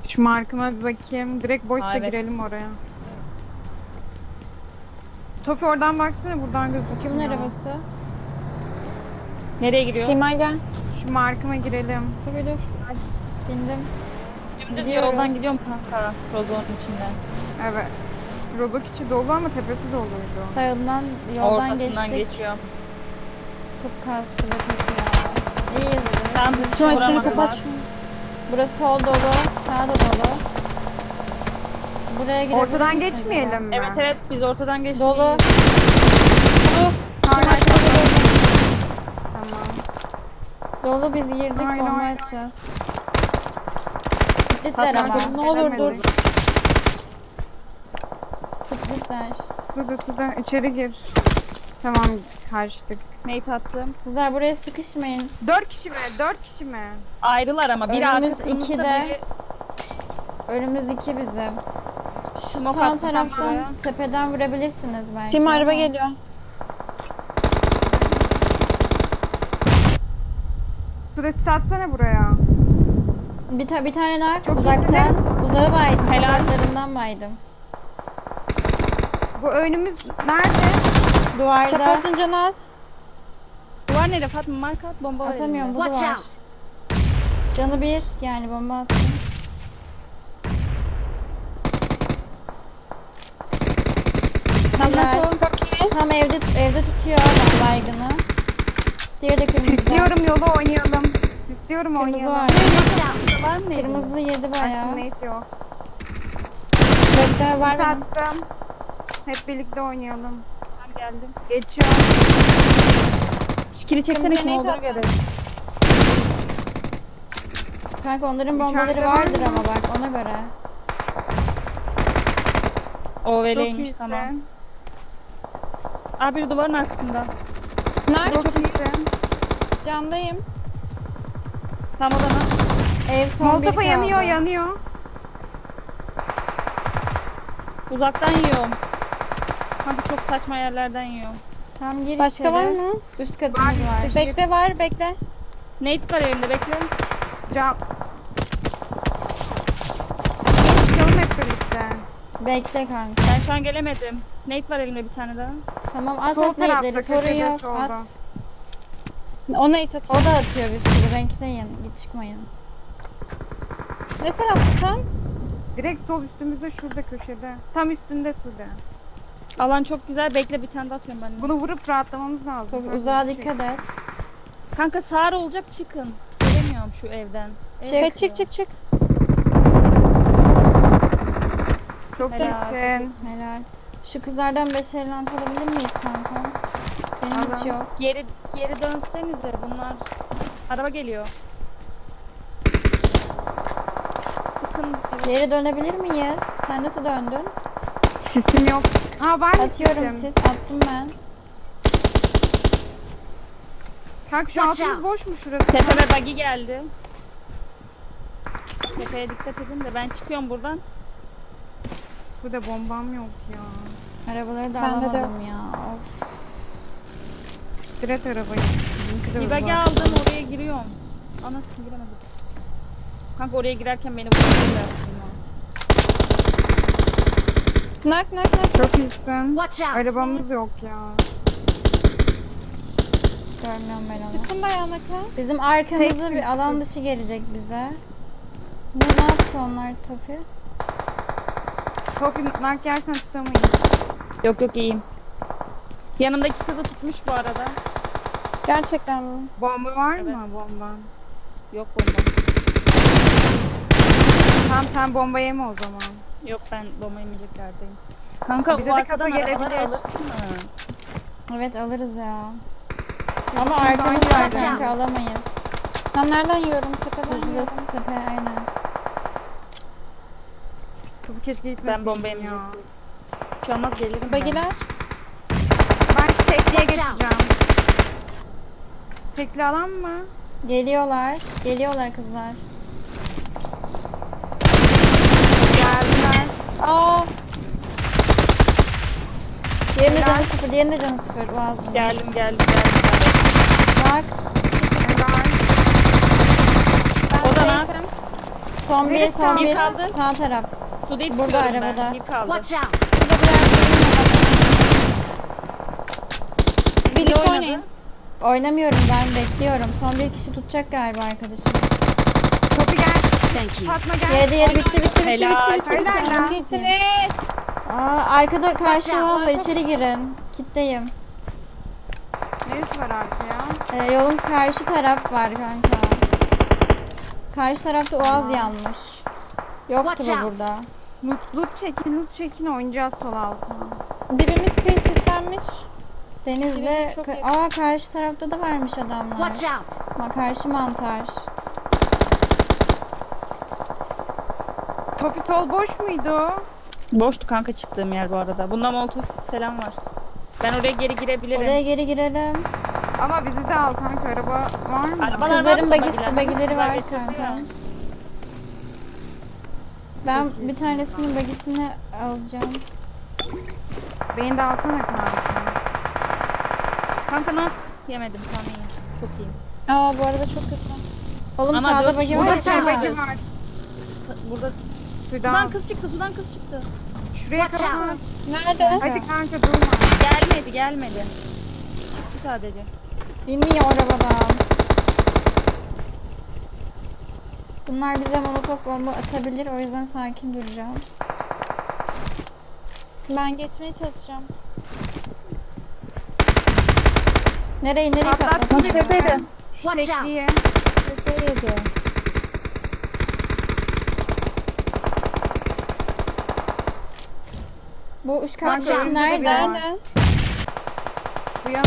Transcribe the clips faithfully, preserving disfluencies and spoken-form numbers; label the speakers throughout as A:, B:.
A: Şu markıma bir bakayım. Direkt boşsa
B: Aa, evet.
A: girelim oraya. Tofi oradan baksana, buradan gözüküyor.
C: Kimin arabası?
B: Nereye giriyor?
D: Simay gel.
A: Şu markıma girelim.
C: Tabii dur. Bindim.
B: Dümdüz
C: Gidiyoruz.
B: yoldan gidiyorum kanka. Rozonun içinden.
A: Evet. Rozok içi dolu ama tepesi doluydu.
C: Sağından yoldan
B: Ortasından
C: geçtik.
B: geçiyorum.
C: Çok kastı be kötü ya. İyiyiz.
B: Tam
D: Simay seni
B: vuramadılar.
D: kapat şunu.
C: Burası sol dolu. Sağ da dolu. Buraya girebilir
A: Ortadan
C: misiniz
A: geçmeyelim
C: acaba?
A: mi?
B: Evet evet biz ortadan geçtik.
C: Dolu.
A: Hala
C: Simay,
A: tamam.
C: Dolu biz girdik
A: Hayır,
C: bomba
A: hayır.
C: atacağız. Splitler
B: Fatma,
C: ama.
D: Ne olur dur.
A: Gelemedik.
C: Splitler.
A: Dur dur dur dur. İçeri gir. Tamam, kaçtık.
B: Nate attım.
C: Kızlar buraya sıkışmayın.
A: Dört kişi mi? Dört kişi mi?
B: Ayrılar ama biri
C: Önümüz
B: arkasında
C: ikide.
B: biri
C: Önümüz iki bizim. Şu
B: Smoke
C: sağ
B: attı
C: taraftan
B: buraya.
C: tepeden vurabilirsiniz belki.
D: Simay araba
C: ama.
D: geliyor.
A: Süresi satsana buraya.
C: Bir, ta bir tane nak
A: Çok
C: uzaktan. Uzağı baydım.
B: Helal.
C: Sokaklarından baydım.
A: Bu önümüz nerede?
C: Duvarda
D: Support'un canı az.
B: duvar nerede Fatma? Marka at bomba var
C: atamıyorum
B: elinde.
C: bu
E: Watch
C: duvar.
E: out!
C: Canı bir yani bomba attım.
B: Tamam
C: Helal.
B: tamam.
D: Çok iyi.
C: Tam evde evde tutuyor adam baygını. Diğeri de kırmızı.
A: Sisliyorum, yolu oynayalım. Sisliyorum,
C: Kırmızı
A: oynayalım.
C: var.
B: Var mı?
C: Kırmızı yedi bayağı.
A: Aşkım Nate yok.
D: Bekle var
A: Sis
D: benim.
A: attım. Hep birlikte oynayalım.
B: Tamam geldim.
A: Geçiyorum.
B: Şikini çeksene
D: Kırmızı
B: kim
D: Nate
B: olduğunu
D: attım.
B: görelim.
C: Kanka onların
A: İçeride
C: bombaları
A: var
C: vardır
A: mı?
C: ama bak ona göre.
B: O
A: Çok
B: veleymiş
A: iyisin.
B: tamam. Abi duvarın arkasında.
D: Nerede?
A: Çok iyisin.
D: Candayım.
B: Tam odana.
C: Ev son bir
A: Molotof'a
C: kaldı.
A: yanıyor, yanıyor.
B: Uzaktan yiyorum. Kanka çok saçma yerlerden yiyorum.
C: Tam gir
D: Başka
C: içeri.
D: var mı?
C: Üst katımız
A: Var,
C: var.
D: Bekle var bekle.
B: Nate var elimde bekle.
A: Cam. Çıkalım hep birlikte.
C: Bekle kanka.
B: Ben şu an gelemedim. Nate var elimde bir tane daha.
C: Tamam at
A: Sol
C: at
A: tarafta,
C: neyleri sorun
A: köşede,
C: yok
A: solda.
C: at.
D: Ona it
C: O
D: atayım.
C: da atıyor bir sürü bekleyin git çıkmayın.
D: Ne tarafta tam?
A: Direkt sol üstümüzde, şurada köşede. Tam üstünde Sude.
B: Alan çok güzel. Bekle bir tane daha atıyorum ben de.
A: Bunu vurup rahatlamamız lazım.
C: Çok
A: Böyle
C: uzağa
A: bir şey.
C: dikkat et.
B: Kanka sağır olacak çıkın. Gelemiyorum şu evden. Ev
C: Çık.
D: Evet, çık çık çık.
A: Çok
B: Helal.
A: iyisin.
C: Helal. Şu kızlardan beş ellant alabilir miyiz kanka? Benim hiç
A: Alın.
C: yok.
B: Geri geri dönsenize bunlar. Araba geliyor. Sıkın.
C: Geri dönebilir miyiz? Sen nasıl döndün?
A: Sisim yok. Ha var mı
C: Atıyorum
A: sisim?
C: sis. Attım ben.
A: Kanka şu
E: Watch
A: altımız
E: out.
A: boş mu şurası?
B: Tepeme buggy geldi. Tepeye dikkat edin de ben çıkıyorum buradan.
A: Burada bombam yok ya.
C: Arabaları da
D: Bende de
C: alamadım ya. Of.
A: Direkt arabayı. Bizimki de
B: Bir
A: hızlı
B: buggy
A: var.
B: aldım oraya giriyorum. Anasını giremedim. Kanka oraya girerken beni vurdular.
D: Nak nak nak.
A: Çok iyisin.
E: Watch out!
A: Arabamız yok ya.
C: Görmüyorum ben onu.
D: Sıkın bayağı naka.
C: Bizim arkamızda
A: Tek-
C: bir alan dışı gelecek bize. Ne, ne yaptı onlar Topi?
A: Topi nak yersen tutamayız.
B: Yok yok iyiyim. Yanımdaki kızı tutmuş bu arada.
D: Gerçekten mi?
A: Bomba var
B: Evet.
A: mı bomba?
B: Yok bomba.
A: Tamam sen bomba yeme o zaman.
B: Yok ben bomba yemeyeceklerdeyim. Kanka
A: Bize
B: bu
A: de
B: arkadan
A: kafa
B: arabaları
A: gelebilir.
B: alırsın mı?
C: Evet alırız ya. Ama
A: Şimdi
C: arkamız
A: aynı
C: var
A: yerden.
C: kanka alamayız.
D: Ben nereden yiyorum? Tepeden
C: Burası
D: yiyorum.
C: tepe aynen.
A: Topi keşke gitmeseydin
B: Ben bomba
A: ya.
B: yemeyecektim. Şu an gelirim ben.
D: Bagiler.
A: Ben tekliye
E: Watch out.
A: geçeceğim. Tekli alan mı?
C: Geliyorlar. Geliyorlar kızlar.
A: Geldiler.
D: Aa.
C: Diğerinin de canı sıfır. Diğerinin de canı sıfır. Boğazım.
B: Geldim geldim geldim.
C: Bak.
A: Helal.
B: O da ne yapayım?
C: Son bir,
A: Neresi
C: son
A: kaldı?
C: bir.
B: Kaldı.
C: Sağ taraf.
B: Sude'yi
C: Burada,
B: tutuyorum
C: arabada.
B: ben. Bir kaldı.
E: Watch out!
C: Şurada bir yerde.
D: Birlikte
B: oynadı.
D: oynayın.
C: Oynamıyorum ben, bekliyorum. Son bir kişi tutacak galiba arkadaşım.
A: Topu gel.
E: Thank you.
A: Fatma gel.
C: Yedi yedi bitti bitti bitti
B: Helal.
C: bitti bitti. bitti.
A: Helal lan.
D: İyisiniz.
C: Aa, arkada karşı
E: Watch out.
C: yol var, içeri girin. Kitleyim.
A: Neresi var arkaya?
C: Ee, yolun karşı taraf var kanka. Karşı tarafta Oğaz yanmış. Yoktu
E: Watch
C: bu
E: out.
C: burada.
A: Loot, loot çekin, loot çekin oynayacağız sol altına.
D: Dibimiz kıyı sislenmiş.
C: Denizde...
D: Dibimiz çok
C: ka-
D: yakın.
C: Aa, karşı tarafta da varmış adamlar.
E: Watch out!
C: Ma karşı mantar.
A: Topi sol boş muydu?
B: Boştu kanka çıktığım yer bu arada. Bunda molotof sis falan var. Ben oraya geri girebilirim.
C: Oraya geri girelim.
A: Ama bizi de al kanka, araba var mı?
B: Arabalar
C: Kızların
B: var,
C: bagisi,
B: bagiler.
C: bagileri var
B: Kızlar getirdi
C: kanka.
B: ya.
C: Ben bir tanesinin bagisini alacağım.
A: Beni de alsana kanka.
B: Kanka nak yemedim sana iyi. Çok iyi.
D: Aa bu arada çok kötü.
C: Oğlum
B: Ama
C: sağda
B: dört
C: bagi
B: kişi
C: var
A: Burada
C: ya.
B: Watch out.
C: kanka.
A: çerbeci var.
B: Burada
A: Sudan.
B: sudan kız çıktı, sudan kız çıktı.
A: Şuraya
E: Watch
A: kapat.
E: out.
D: Nerede?
A: Hadi kanka durma.
B: Gelmedi, gelmedi. Çıktı sadece.
C: İnmiyor arabadan. Bunlar bize molotof bomba atabilir, o yüzden sakin duracağım.
D: Ben geçmeye çalışacağım.
C: Nereye nereye
A: Patlattı
C: patlatacağım?
A: bizi.
B: Tepede.
A: Şu
E: Watch out.
A: tekliğe.
B: Nereye
C: Bu üç
E: Watch
C: kartı
E: out.
C: nerede?
D: Nerede?
A: Bu yana.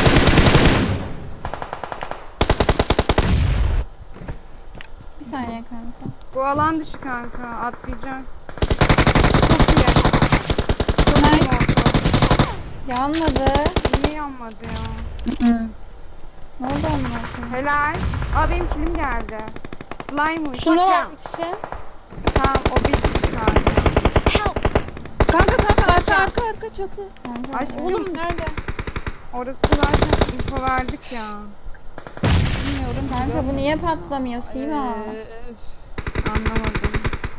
C: Bir saniye kanka.
A: Bu alan dışı kanka. Atlayacak. Çok iyi. Çok iyi oldu.
C: Yanmadı.
A: Niye yanmadı ya?
C: Ne oldu amına koyayım?
A: Helal. Aa benim kilim geldi. Slime'mış.
D: Şunu
E: Watch
D: var
E: out.
D: bir kişi.
A: Tamam o bir kanka.
E: Help!
B: Kanka kanka arka arka arka çatı.
C: Kanka,
A: Ay,
C: evet.
D: Oğlum nerede?
A: Orası zaten info verdik ya.
B: Bilmiyorum.
C: Kanka bu niye patlamıyor Sima?
B: Ee, öf.
A: Anlamadım.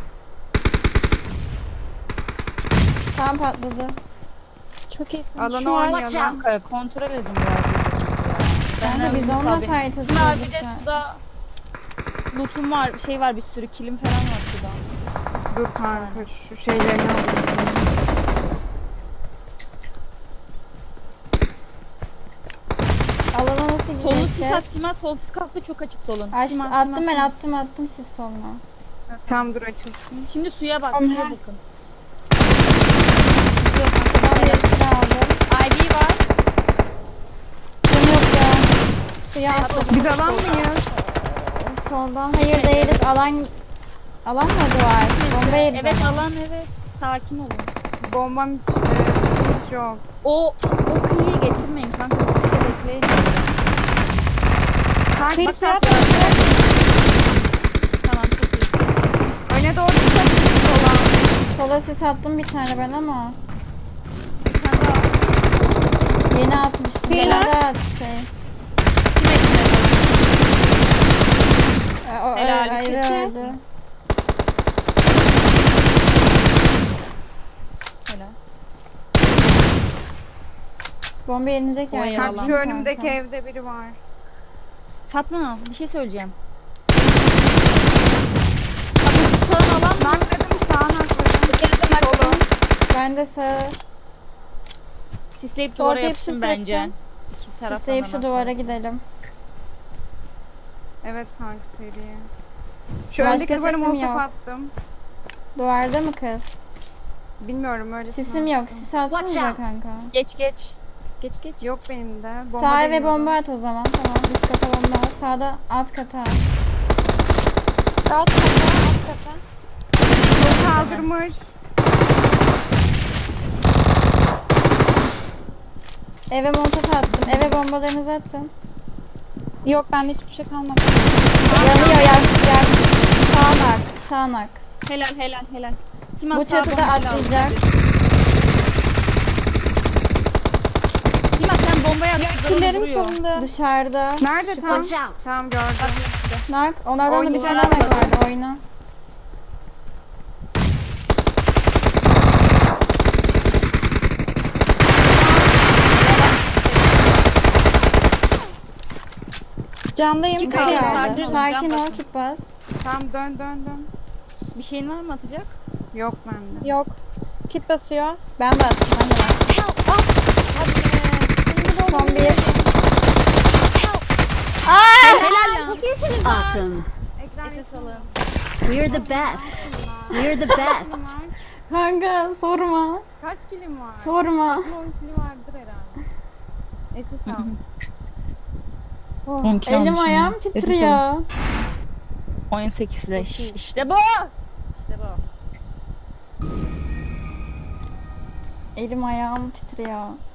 C: Tam patladı.
D: Çok iyisin.
A: Alanı
D: Şu var.
E: Watch
A: oynayalım.
E: out.
B: Kanka kontrol edin biraz.
C: Kanka
B: Ben
C: biz
B: de
C: onunla
B: tabii.
C: fight
B: Şuna
C: atıyoruz
B: bir de
C: lütfen.
B: suda lootum var, şey var bir sürü kilim falan var suda.
A: Dur kanka şu şeylerini alayım.
C: Alana nasıl
B: Solu sis at,
C: gideceğiz?
B: Sima sol sis kalktı çok açık solun.
C: Aç,
B: Sima,
C: attım
B: Sima,
C: ben
B: Sima.
C: attım attım siz soluna.
A: Tam dur açılsın.
B: Şimdi suya bak,
D: Tamam.
B: suya bakın.
C: Arkadan birisini aldım.
B: Ivy var.
C: Kim yok ya? Suya atladım.
A: Biz alan mıyız?
C: Soldan. Hayır değiliz. Alan alan mı var? Bomba yeriz
B: Evet
C: ama.
B: alan evet. Sakin olun.
A: Bombam hiç, e, hiç yok.
B: O o kıyıyı geçirmeyin kanka. Siz de bekleyin.
A: Kanka
D: Kıyı
A: bak
D: siyah
A: kanka,
B: Tamam çok iyi.
A: öne doğru çok sola.
C: Sola sis attım bir tane ben ama.
B: Bir tane daha.
C: Yeni atmıştım.
D: Kıyı
C: Yeni
D: var.
C: de at şey.
B: Kim ekle?
C: E, o
B: Helal,
C: ö- ayrı
B: kötü.
C: öldü.
B: Helal.
C: Bomba yenilecek
B: Oy,
C: yani.
B: yalan.
A: Kanka şu önümdeki evde biri var.
B: Fatma bir şey söyleyeceğim. Fatma sağın alan mı?
A: Nakladım sağına nakladım. Solu.
C: Ben de sağ
B: Sisleyip
D: Ortaya
B: duvara yapışın
D: sisleteceğim.
B: bence. İki taraftan
C: isteyip şu
B: da
C: duvara gidelim.
A: Evet kanka seriye. Şu
C: Başka
A: öndeki duvara
C: sesim
A: molotof
C: yok.
A: attım.
C: Duvarda mı kız?
A: Bilmiyorum öyle.
C: Sisim yok. Sis atsanıza
E: Watch out.
C: kanka.
B: Geç geç. Geç geç.
A: Yok benim de. Bomba
C: Sağa ve
A: deniyorum.
C: bomba at o zaman. Tamam. Üst kata bomba at. Sağda alt kata at.
D: Alt kata, alt kata.
A: Çok kaldırmış.
C: Eve montat attım. Eve bombalarınızı atın.
D: Yok bende hiçbir şey kalmadı.
C: Yanıyor yak yak. Sağnak. Sağnak.
B: Helal helal helal. Sima
C: Bu
B: sağ
C: çatıda
B: bombayla
C: atlayacak.
B: al. Sima sen bombayı at. kızlar
D: Killerim
B: vuruyor.
D: çalındı.
C: Dışarıda.
A: Nerede tam?
E: Watch out!
A: Tamam gördüm.
C: Nak. Onlardan da bir
A: Oyna.
C: tane nak vardı. Oyna.
D: Candayım.
B: Kim
C: Kit
B: kaldı?
C: kaldı.
B: Sakin ol,
C: Sakin
B: can
C: ol,
B: basın.
C: kit bas.
A: Tamam dön dön dön.
B: Bir şeyin var mı atacak?
A: Yok bende.
D: Yok. Kit basıyor.
C: Ben bastım, ben de bastım. Son bir.
B: Helal ya.
E: Awesome.
A: Ekran
B: Ses alın.
E: We're the best. We're the best.
C: Kanka sorma.
A: Kaç kilim var?
C: Sorma.
A: on kili vardır herhalde. Esis al.
B: on kilo
C: Elim
B: almışım
C: ayağım
B: ya.
C: titriyor.
B: on sekiz leş. İşte bu. İşte bu.
C: Elim ayağım titriyor.